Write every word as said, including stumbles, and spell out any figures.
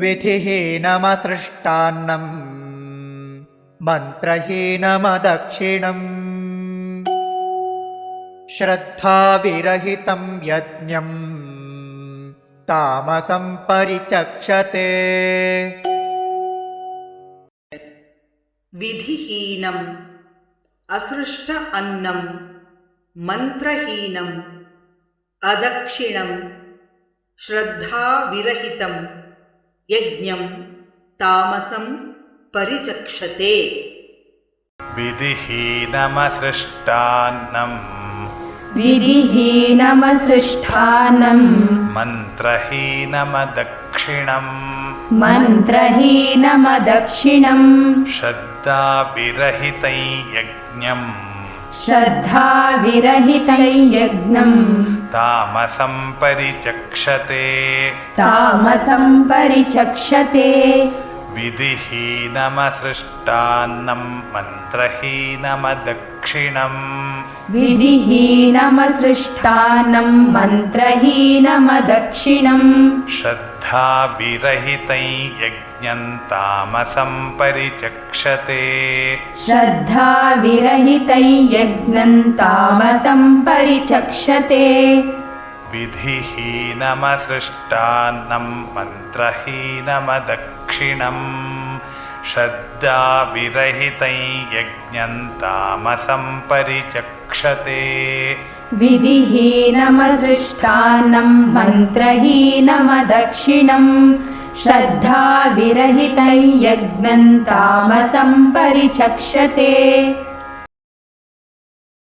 विधिहीनमसृष्टान्नं मन्त्रहीनमदक्षिणम् श्रद्धाविरहितं यज्ञं तामसं परिचक्षते। विधिहीनम् असृष्ट अन्नं मन्त्रहीनम् अदक्षिणम् श्रद्धाविरहितं यज्ञं तामसं परिचक्षते। विधिहीनमसृष्टान्नं विधिहीनमसृष्टान्नं मन्त्रहीनमदक्षिणम् मन्त्रहीनमदक्षिणम् श्रद्धाविरहितं यज्ञम् श्रद्धाविरहितं यज्ञम् तामसं परिचक्षते। तामसं परिचक्षते। विधिहीनमसृष्टान्नं मन्त्रहीनमदक्षिणम् विधिहीनमसृष्टान्नं मन्त्रहीनमदक्षिणम् श्रद्धाविरहितं यज्ञं तामसं परिचक्षते। श्रद्धाविरहितं यज्ञं तामसं परिचक्षते। विधिहीनमसृष्टान्नं मन्त्रहीनमदक्षिणम् श्रद्धाविरहितं यज्ञं तामसं परिचक्षते। विधिहीनमसृष्टान्नं मन्त्रहीनमदक्षिणम् श्रद्धाविरहितं यज्ञं तामसं परिचक्षते।